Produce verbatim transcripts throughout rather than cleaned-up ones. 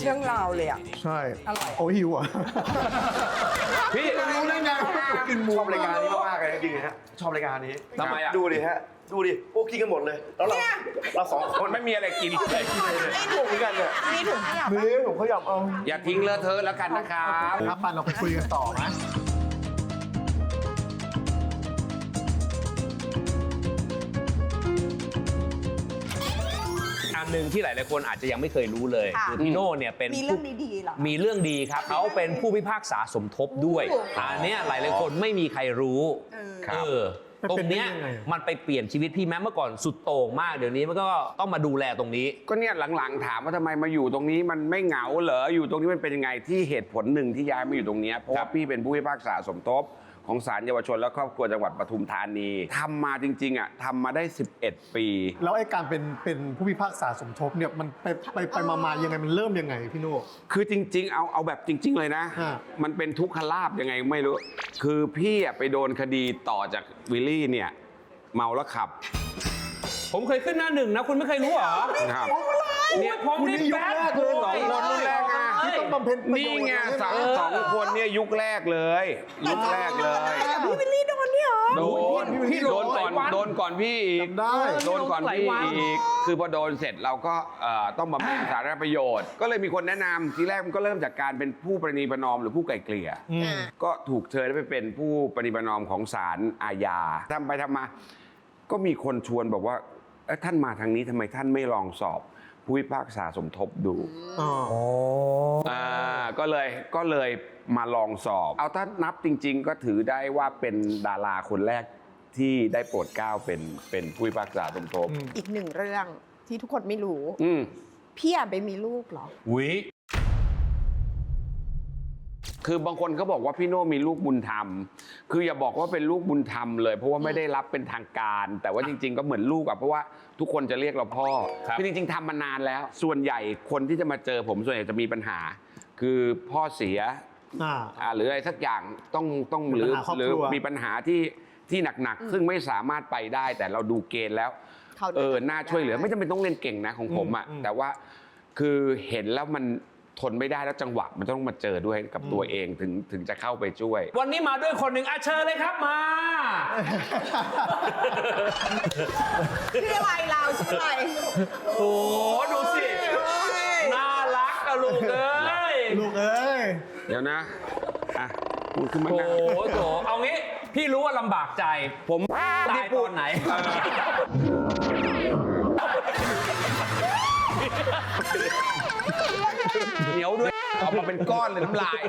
เรื่องราวเลยอ่ะใช่อร่อยโอ้หิวอ่ะพี่รู้ได้ไงกินหมูชอบรายการนี้มากเลยจริงๆฮะชอบรายการนี้ทำไมอ่ะดูดิฮะดูดิพวกกินกันหมดเลยแล้วเราเราสองคนไม่มีอะไรกินเลยไม่ถูกกันเนี่ยมีถุงขยะนี่ผมขยับเอาอย่าทิ้งเลอะเทอะแล้วกันนะครับครับปันเราไปคุยกันต่อนะอันหนึ่งที่หลายๆคนอาจจะยังไม่เคยรู้เลยคือพี่โน่เนี่ยเป็นมีเรื่องดีๆเหรอมีเรื่องดีครับเขาเป็นผู้พิพากษาสมทบด้วยอันเนี้ยหลายๆคนไม่มีใครรู้เออตรงเนี้ยมันไปเปลี่ยนชีวิตพี่แม้เมื่อก่อนสุดโต่งมากเดี๋ยวนี้มันก็ต้องมาดูแลตรงนี้ก็เนี่ยหลังๆถามว่าทำไมมาอยู่ตรงนี้มันไม่เหงาเหรออยู่ตรงนี้มันเป็นยังไงที่เหตุผลหนึ่งที่ย้ายมาอยู่ตรงนี้เพราะว่าพี่เป็นผู้พิพากษาสมทบของศาลเยาวชนและครอบครัวจังหวัดปทุมธานีทำมาจริงๆอ่ะทำมาได้สิบเอ็ดปีแล้วไอ้การเป็นเป็นผู้พิพากษาสมทบเนี่ยมันไปไปไปมาๆยังไงมันเริ่มยังไงพี่โน่คือจริงๆเอาเอาแบบจริงๆเลยนะมันเป็นทุกขลาภยังไงไม่รู้คือพี่ไปโดนคดีต่อจากวิลลี่เนี่ยเมาแล้วขับผมเคยขึ้นหน้าหนึ่งนะคุณไม่เคยรู้เหรอครับเนี่ยผมนี่แบดสองคนรุ่นแรกไงที่ต้องบำเพ็ญประโยชน์นี่ไงสองสองคนเนี่ยยุคแรกเลยยุคแรกเลยพี่วิลลี่โดนเนี่ยเหรอโดนพี่โดนก่อนโดนก่อนพี่อีกโดนก่อนพี่อีกคือพอโดนเสร็จเราก็ต้องบำเพ็ญสาธารณประโยชน์ก็เลยมีคนแนะนำทีแรกมันก็เริ่มจากการเป็นผู้ประนีประนอมหรือผู้ไกล่เกลี่ยก็ถูกเชิญไปเป็นผู้ประนีประนอมของศาลอาญาทำไปทำมาก็มีคนชวนบอกว่าท่านมาทางนี้ทำไมท่านไม่ลองสอบผู้พิพากษาสมทบดูอ๋อก็เลยก็เลยมาลองสอบเอาถ้านับจริงๆก็ถือได้ว่าเป็นดาราคนแรกที่ได้โปรดเกล้าเป็นเป็นผู้พิพากษาสมทบอีกหนึ่งเรื่องที่ทุกคนไม่รู้อืมพี่อยากไปมีลูกเหรอวิคือบางคนเขาบอกว่าพี่โน่มีลูกบุญธรรมคืออย่าบอกว่าเป็นลูกบุญธรรมเลยเพราะว่าไม่ได้รับเป็นทางการแต่ว่าจริงๆก็เหมือนลูกอะเพราะว่าทุกคนจะเรียกเราพ่อคือจริงๆทำมานานแล้วส่วนใหญ่คนที่จะมาเจอผมส่วนใหญ่จะมีปัญหาคือพ่อเสียอ่าหรืออะไรสักอย่างต้องต้องหรือหรือมีปัญหาที่ที่หนักๆซึ่งไม่สามารถไปได้แต่เราดูเกณฑ์แล้วเออน่าช่วยเหลือไม่จำเป็นต้องเรียนเก่งนะของผมอะแต่ว่าคือเห็นแล้วมันทนไม่ได้แล้วจังหวะมันต้องมาเจอด้วยกับตัวเองถึงถึงจะเข้าไปช่วยวันนี้มาด้วยคนหนึ่งอาเชิญเลยครับมาชื่ออะไรเราชื่ออะไรโอ้ดูสิน่ารักอะลูกเอ้ยลูกเอ้ยเดี๋ยวนะอ่ะพูดขึ้นมาโอ้โหเอางี้พี่รู้ว่าลำบากใจผมตายตอนไหนเหนียวด้วยออกมาเป็นก้อนเลยน้ำลาย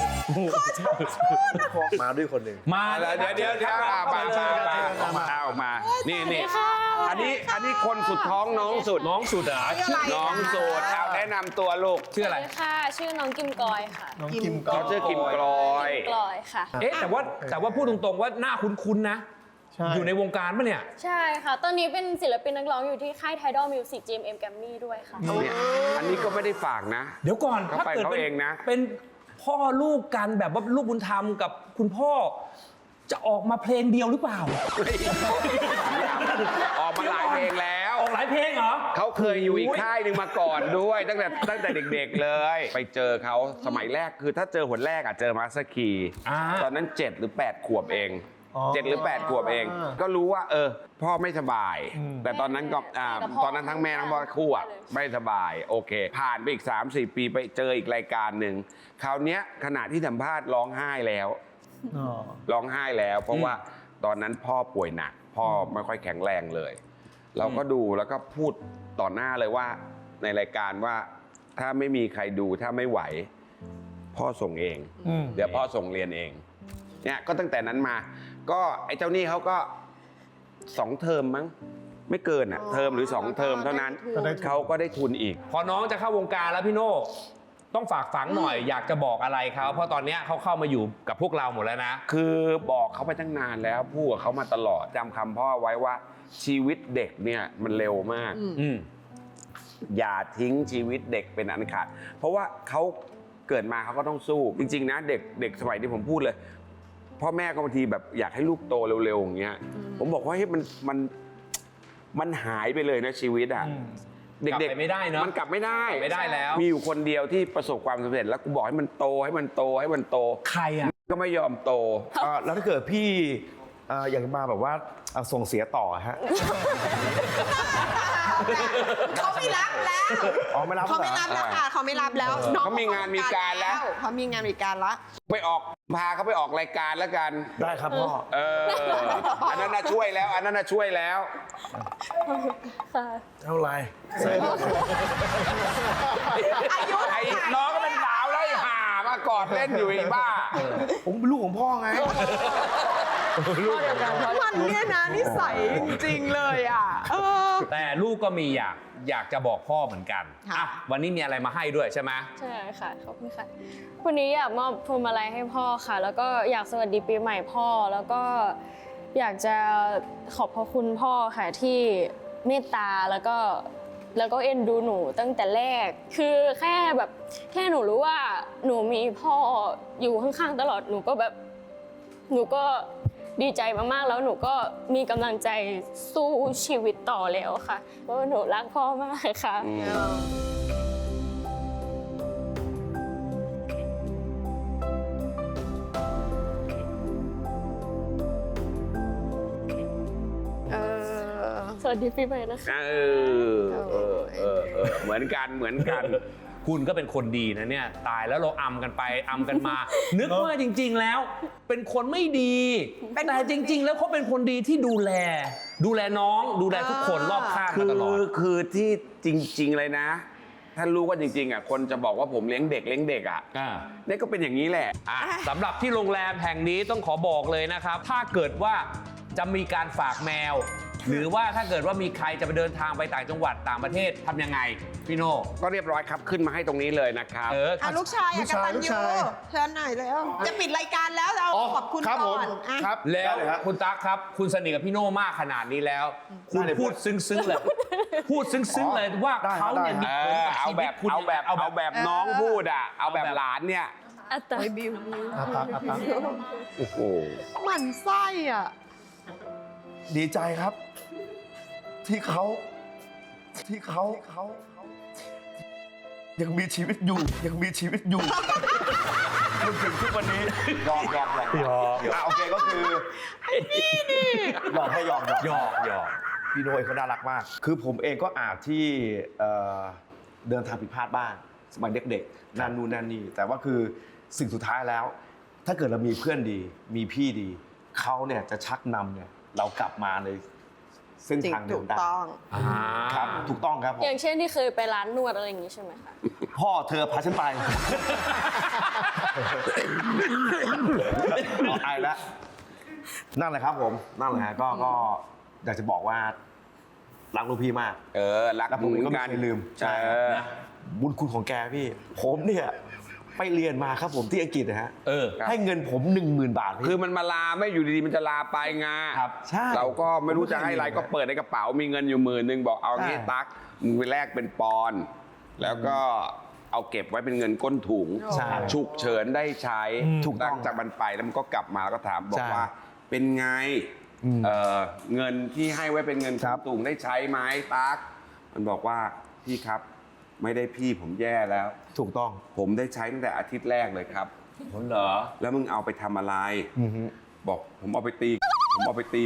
มาด้วยคนหนึ่งมาแล้วเดี๋ยวเดี๋ยวเดี๋ยวมามามามาออกมานี่นี่อันนี้อันนี้คนสุดท้องน้องสุดน้องสุดเหรอน้องสุดเอาแนะนำตัวลูกชื่ออะไรค่ะชื่อน้องกิมกอยค่ะน้องกิมกอยเขาชื่อกิมกอยกลอยค่ะเอ๊ะแต่ว่าแต่ว่าพูดตรงๆว่าหน้าคุ้นๆนะอยู่ในวงการปะเนี่ยใช่ค่ะตอนนี้เป็นศิลปินนักร้องอยู่ที่ค่าย Tidal Music จี เอ็ม เอ็ม Grammy ด้วยค่ะอันนี้ก็ไม่ได้ฝากนะเดี๋ยวก่อนถ้าเกิดเขาเองนะเป็นพ่อลูกกันแบบว่าลูกบุญธรรมกับคุณพ่อจะออกมาเพลงเดียวหรือเปล่าออกมาหลายเพลงแล้วออกหลายเพลงเหรอเขาเคยอยู่อีกค่ายหนึ่งมาก่อนด้วยตั้งแต่ตั้งแต่เด็กๆเลยไปเจอเขาสมัยแรกคือถ้าเจอหนแรกอ่ะเจอมาสคีตอนนั้นเจ็ดหรือแปดขวบเองเจ็ดหรือแปดขวบเองก็รู้ว่าเออพ่อไม่สบายแต่ตอนนั้นก็ตอนนั้นทั้งแม่ทั้งพ่อคู่อ่ะไม่สบายโอเคผ่านไปอีก สามสี่ ปีไปเจออีกรายการหนึ่งคราวนี้ขณะที่สัมภาษณ์ร้องไห้แล้วร้องไห้แล้วเพราะว่าตอนนั้นพ่อป่วยหนักพ่อไม่ค่อยแข็งแรงเลยเราก็ดูแล้วก็พูดต่อหน้าเลยว่าในรายการว่าถ้าไม่มีใครดูถ้าไม่ไหวพ่อส่งเองเดี๋ยวพ่อส่งเรียนเองเนี่ยก็ตั้งแต่นั้นมาก็ไอ้เจ้านี่เขาก็สองเทอมมั้งไม่เกินอ่ะเทอมหรือสองเทอมเท่านั้นเขาก็ได้ทุนอีกพอน้องจะเข้าวงการแล้วพี่โน่ต้องฝากฝังหน่อยอยากจะบอกอะไรเขาเพราะตอนนี้เขาเข้ามาอยู่กับพวกเราหมดแล้วนะคือบอกเขาไปตั้งนานแล้วพูดกับเขามาตลอดจำคำพ่อไว้ว่าชีวิตเด็กเนี่ยมันเร็วมากอย่าทิ้งชีวิตเด็กเป็นอันขาดเพราะว่าเขาเกิดมาเขาก็ต้องสู้จริงๆนะเด็กเด็กสมัยที่ผมพูดเลยพ่อแม่ก็บางทีแบบอยากให้ลูกโตเร็วๆอย่างเงี้ยผมบอกว่าเฮ้ยมันมันมันหายไปเลยนะชีวิตอ่ะเด็กกลับไปไม่ได้เนอะมันกลับไม่ได้ไม่ได้แล้วมีอยู่คนเดียวที่ประสบความสำเร็จแล้วกูบอกให้มันโตให้มันโตให้มันโตใครอ่ะก็ไม่ยอมโตอ่าแล้วถ้าเกิดพี่อ่าอยากจะมาแบบว่าอ่าส่งเสียต่อฮะเขาไม่รับแล้วอ๋อไม่รับเขาไม่รับแล้วค่ะเขาไม่รับแล้วน้องเขามีงานมีการแล้วเขามีงานมีการแล้วไปออกพาเขาไปออกรายการแล้วกันได้ครับพ่อเออ อันนั้นน่ะช่วยแล้ว อันนั้นน่ะช่วยแล้วค่ะเท่าไหรอายุไอ้น้องก็เป็นสาวแล้วไอ้ห่ามากอดเล่นอยู่ไอ้บ้าผมเป็นลูกของพ่อไงมันเนี่ยนะนิสัยจริงๆเลยอ่ะเออแต่ลูกก็มีอยากอยากจะบอกพ่อเหมือนกันค่ะอ่ะวันนี้มีอะไรมาให้ด้วยใช่ไหมใช่ค่ะ ขอบคุณค่ะ วันนี้อยากมอบพวงมาลัยให้พ่อค่ะ แล้วก็อยากสวัสดีปีใหม่พ่อ แล้วก็อยากจะขอบพระคุณพ่อค่ะที่เมตตาแล้วก็แล้วก็เอ็นดูหนูตั้งแต่แรก คือแค่แบบแค่หนูรู้ว่าหนูมีพ่ออยู่ข้างๆตลอด หนูก็แบบหนูก็ดีใจมากๆ แล้วหนูก็มีกำลังใจสู้ชีวิตต่อแล้วค่ะ เพราะว่าหนูรักพ่อมากค่ะเออสวัสดีปีใหม่นะคะเออเออเออเออเหมือนกันเหมือนกันคุณก็เป็นคนดีนะเนี่ยตายแล้วเราอำกันไปอำกันมา นึกว่าจริง ๆแล้ว เป็นคนไม่ดีเป็นแต่จริง ๆ แล้วเขาเป็นคนดีที่ดูแล ดูแลน้องดูแลทุกคนรอบข้างคืมาอตลอดคือที่จริง ๆ เลยนะ ท่านรู้ว่าจริง ๆอ่ะคนจะบอกว่าผมเลี้ยงเด็กเลี้ยงเด็กอ่ะอ่านี่ก็เป็นอย่างนี้แหละอ่ะสำหรับที่โรงแรมแห่งนี้ต้องขอบอกเลยนะครับ ถ้าเกิดว่าจะมีการฝากแมว หรือว่าถ้าเกิดว่ามีใครจะไปเดินทางไปต่างจังหวัดต่างประเทศทำยังไงพี่โน่ก็เรียบร้อยครับขึ้นมาให้ตรงนี้เลยนะครับเอออ่ะลูกชายลูอ่ะกกชายตันลูกยูชายเชิญหน่อยแล้วจะปิดรายการแล้วเราขอบคุณครับผก่มอนอ่ะครับแล้วได้เยฮะคุณตั๊กครับ คุณสนิทกับพี่โน่มากขนาดนี้แล้ว คุณได้เลยพูดซึ้งๆเลย พูดซึ้งๆเลยว่าได้เขาเนี่ยได้มีเอผลอกับเอาชีแบวิตบคุณเอาแบบเอาเอาแบแบบ บน้องพูดอ่ะเอาแบบเอาแบบหลานเนี่ยอัตตาบิวอ่ะตักอ่ะตักโอ้โหหมันไส้อ่ะดีใจครับ ที่เขาที่เขาเขายังมีชีวิตอยู่ ยังมีชีวิตอยู่จนถึงทุกวันนี้ยอมยอมยอมยอมอ่ะโอเคก็คือหยอกให้ยอมยอมหยอกหยอกพี่โน้ยเขาน่ารักมาก คือผมเองก็อาจที่เอ่อเดินทางผิดพลาดบ้างสมัยเด็กๆนั่นนู่นนั่นนี่แต่ว่าคือสิ่งสุดท้ายแล้ว ถ้าเกิดเรามีเพื่อนดี มีพี่ดีเขาเนี่ยจะชักนำเนี่ยเรากลับมาในเส้นจริงทางเดิถูมกได้ต้องอ่าครับถูกต้องครับผมอย่างเช่นที่เคยไปร้านนวดอะไรอย่างนี้ใช่ไหมคะพ่อเธอพาฉันไปไอแล้วนั่นแหละครับผมนั่นแหละฮะก็ก็อยากจะบอกว่ารักลูกพี่มากเออรักแล้วผมเหมือก็นไม่กันเคยลืมใช่เออบุญคุณของแกพี่ ผมเนี่ยไปเรียนมาครับผมที่อังกฤษนะฮะเออให้เงินผมหนึ่งหมื่นบาทพี่คือมันมาลาไม่อยู่ดีๆมันจะลาไปไงครับใช่เราก็ไม่รู้จะให้อะไรก็เปิดในกระเป๋ามีเงินอยู่หมื่นหนึ่งบอกเอางี้ใช่ตั๊กมึงไปแลกเป็นปอนด์แล้วก็เอาเก็บไว้เป็นเงินก้นถุงใช่ฉุกเฉินได้ใช้ถูกต้องหลัจากมันไปแล้วมันก็กลับมาแล้วก็ถามบอกใช่ว่าเป็นไงอืมเอ่อเงินที่ให้ไว้เป็นเงินครับถุงได้ใช้ไหมตั๊กมันบอกว่าพี่ครับไม่ได้พี่ผมแย่แล้วถูกต้องผมได้ใช้ตั้งแต่อาทิตย์แรกเลยครับผมเหรอแล้วมึงเอาไปทำอะไรอือฮึบอกผมเอาไปตี ผมเอาไปตี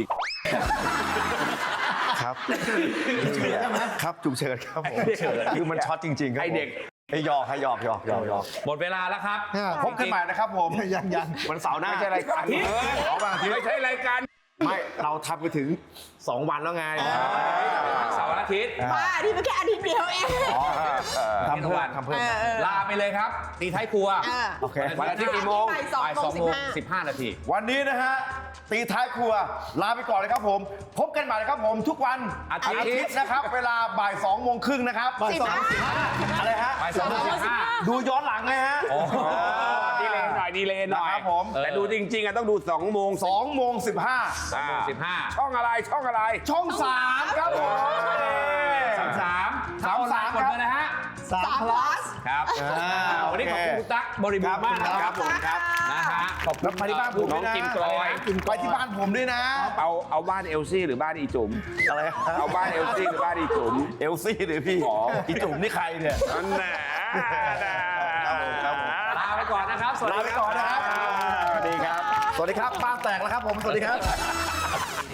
ครับครับจุกเฉินครับผมคือมันช็อตจริงๆครับไอ้เด็กไอ้หยอกให้หยอกหยอกหยอกหยอกหมดเวลาแล้วครับพบกันใหม่นะครับผมยังยังวันเสาร์หน้าไม่ใช่รายการเออขอวันอาทิตย์ไม่ใช่รายการไม่เราทำไปถึงสองวันแล้วไงเสาร์อาทิตย์ว่าที่มันแค่อาทิตย์เดียวเองอ๋อทำเพิ่มทำเพิ่มเออเออลาไปเลยครับ ตีท้ายครัวเออโอเควันอาทิตย์กี่โมงบ่ายสองบ่ายโมสอง งสิโมบงห้าสิบห้านาทีวันนี้นะฮะตีท้ายครัวลาไปก่อนเลยครับผม พบกันใหม่นะครับผมทุกวันอาทิตย์ย์นะครับ เวลาบ่ายสองโมงครึ่งนะครับสิบห้าอะไรฮะบ่ายสองโมงสิบห้าดูย้อนหลังไงฮะอ๋อดีเลยหน่อยดีเลยหน่อยนะครับผมแต่ดูจริงๆอะต้องดูสองโมงสองโมงสิบห้าสองโมงสิบห้าช่องอะไรช่องอะไรช่องสามครับผมสามสามสามสามกดเลยนะฮะสามสามพพลัลัสสครับอ่าวันนี้ขอบคุณคุณตั๊กบริบูรณ์มากนะคครัรับบผมครับนะฮะขอบคุแล้ณวไปที่บ้านผมน้ด้อวงยนะกิมกลอยไปที่บ้านผมด้วยนะเอาเอาบ้านเอลซี่หรือบ้านอีจุ๋มอะไรเอาบ้านเอลซี่หรือบ้านอีจุ๋มเอลซี่หรือพี่อ๋ออีจุ๋มนี่ใครเนี่ยนั่นแหละครับผมครับผมลาไปก่อนนะครับ สวัสลาดีไปครับก่อนนะครับ สวัสดีครับ สวัสดีครับ บ้านแตกแล้วครับผม สวัสดีครับ